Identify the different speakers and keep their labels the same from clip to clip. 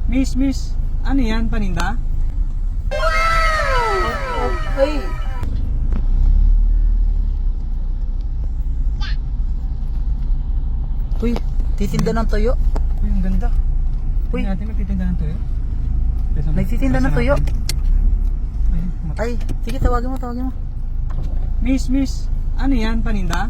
Speaker 1: Miss, ano yan, paninda?
Speaker 2: Ay. Uy, titinda ng tuyo.
Speaker 1: Uy, ang ganda.
Speaker 2: Uy.
Speaker 1: Tingnan natin, magtitinda ng tuyo.
Speaker 2: Nagtitinda ng tuyo.
Speaker 1: Ay,
Speaker 2: Ay, sige, tawagin mo.
Speaker 1: Miss, ano yan, paninda?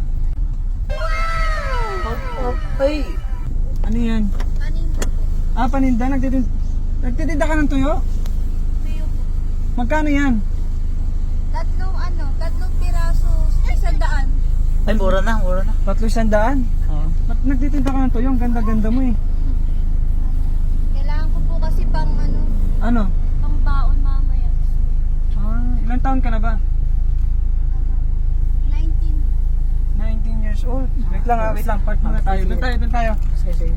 Speaker 2: Ay.
Speaker 1: Ano yan?
Speaker 3: Paninda po.
Speaker 1: Ah, paninda, nagtitinda ka ng tuyo?
Speaker 3: Tuyo po.
Speaker 1: Magkano yan?
Speaker 3: Tatlong piraso, 100.
Speaker 2: Ay, mura na.
Speaker 1: 300?
Speaker 2: Oo.
Speaker 1: Ba't nagtitinda ka ng tuyo? Ang ganda-ganda mo eh.
Speaker 3: Kailangan ko po kasi pang
Speaker 1: Ano?
Speaker 3: pang baon mamaya.
Speaker 1: Ilang taon ka na ba?
Speaker 3: 19.
Speaker 1: 19 years old. Wait lang. Park muna tayo. Doon tayo.
Speaker 2: Sige.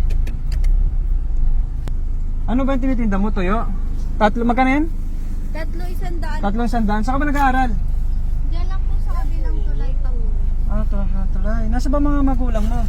Speaker 1: Ano ba yung tinitinda mo, tuyo? Magkano yan?
Speaker 3: Tatlo 100.
Speaker 1: 300. Saan ka ba nag-aaral?
Speaker 3: Diyan lang po sa kabilang tulay pa po.
Speaker 1: Tulay. Nasa ba mga magulang mo?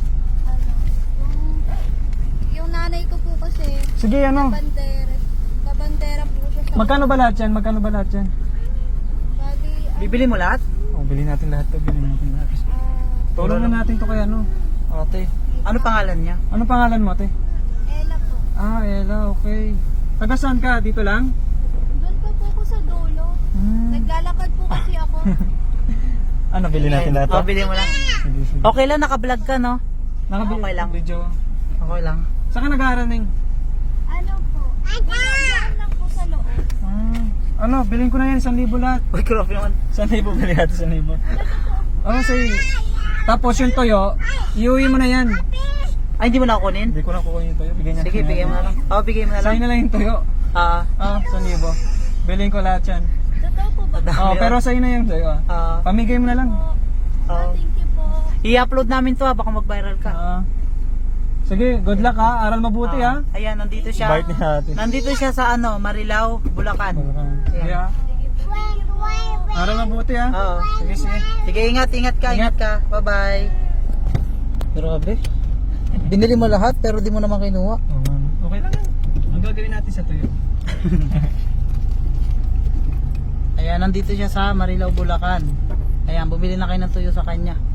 Speaker 3: Yung nanay ko po kasi,
Speaker 1: Sige, ano?
Speaker 3: kabandera po siya sa...
Speaker 1: Magkano ba lahat yan?
Speaker 3: Bali,
Speaker 2: Bibili mo lahat?
Speaker 1: Bilhin natin lahat to. Tulong na natin to kay ano.
Speaker 2: Ate. Ano pangalan niya?
Speaker 1: Ano pangalan mo, ate?
Speaker 3: Ella po.
Speaker 1: Ella, okay. Taga saan ka? Dito lang?
Speaker 3: Doon pa po ako sa dulo. Naglalakad po kasi ako.
Speaker 1: Ano, bilhin natin lahat
Speaker 2: Oh, bili mo lang.
Speaker 1: Sige.
Speaker 2: Okay lang, naka-vlog ka, no? Okay lang.
Speaker 1: Video.
Speaker 2: Okay lang.
Speaker 1: Saan ka nag-aaral, Ning?
Speaker 3: Ano po? Diyan lang po sa loob.
Speaker 1: Ano, bilhin ko na yan, 1,000 lahat.
Speaker 2: Uy, grabe naman.
Speaker 1: 1,000 bilhin natin, 1,000. Sige. Tapos yung toyo, iuwi mo na yan.
Speaker 2: Ay, hindi mo na kukunin?
Speaker 1: Hindi ko na kukunin yung toyo, bigyan niya.
Speaker 2: Sige, bigay mo na lang. Oo, bigay mo na lang.
Speaker 1: Sa'yo na lang yung toyo. 1,000. Bilhin ko lahat yan.
Speaker 3: Totoo po ba?
Speaker 1: Pero sa'yo na yung toyo. Pamigay mo na lang.
Speaker 3: Thank you po.
Speaker 2: I-upload namin to, baka mag-viral ka.
Speaker 1: Sige, good luck ha. Aral mabuti ha.
Speaker 2: Ayan, nandito siya.
Speaker 1: Bite ni natin.
Speaker 2: Nandito siya sa Marilao, Bulacan.
Speaker 1: Sige ha. Aral mabuti ha.
Speaker 2: Oo.
Speaker 1: Sige.
Speaker 2: Sige, ingat ka. Bye-bye. Grabe. Binili mo lahat pero di mo naman kinuha.
Speaker 1: Okay lang yan. Ang gagawin natin sa tuyo.
Speaker 2: Ayan, nandito siya sa Marilao, Bulacan. Ayan, bumili na kayo ng tuyo sa kanya.